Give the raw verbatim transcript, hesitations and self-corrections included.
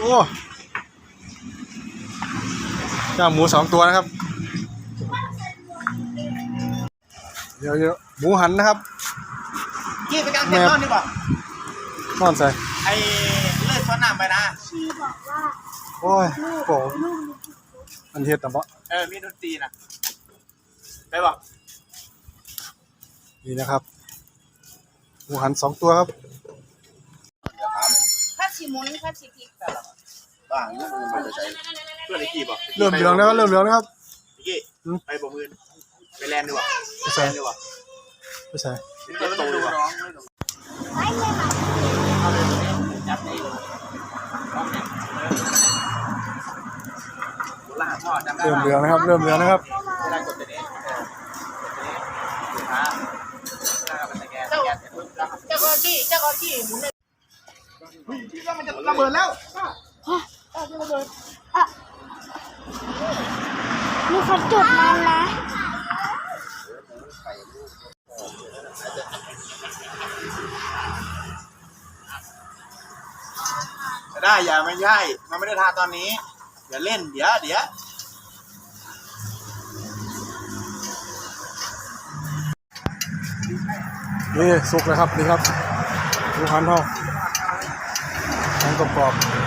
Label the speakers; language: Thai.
Speaker 1: อ้ย่างหมูสองตัวนะครับเดี๋ยวเดี๋ยวหมูหันนะครับ
Speaker 2: ยี่ไปกางเต็นท์นอนดีกว่าน
Speaker 1: อนใส่
Speaker 2: ไอ้เลือดซ้อนน้ำไปนะ
Speaker 3: ชีบอกว่า
Speaker 1: โอ้ยโอ้อันเฮ็ดแต่บ่
Speaker 2: เออมีดนตรีนะไปบอก
Speaker 1: นี่นะครับหมูหันสองตัวครับ
Speaker 3: ข้าชิมุนข้าชิพริกแต่ละ
Speaker 2: บ้างนี่มันไปใช้เพื่อนไอ้กี้บอก
Speaker 1: เริ่มเหลืองแล้วเริ่มเหลืองแล้วครับ
Speaker 2: ไอ้กี้ไปบ่มือไปแลนด์ดีกว่าไปแลนด์ดีกว่า
Speaker 1: ไม่ใช่
Speaker 2: เจ็บโตดีกว่า
Speaker 3: ไม่เลยค่ะ
Speaker 2: จับได้ล่าพ่อจำได้
Speaker 1: เริ่มเหลืองนะครับเริ่มเหลืองนะครับ
Speaker 2: เวลากดตัวนี้เออเจ้าเจ้าก็กี้เจ้าก็กี้หมุนเลยคิดว่ามันจะระเบิดแล้วจะระเบิด
Speaker 3: มีคนจุดมันนะ
Speaker 2: ได้อย่าไม่ใช่มันไม่ได้ทาตอนนี้อย่าเล่นเดี๋ยวเดี๋ยว
Speaker 1: นี่สุกเลยครับนี่ครับหมูหันทองแข็งกรอบ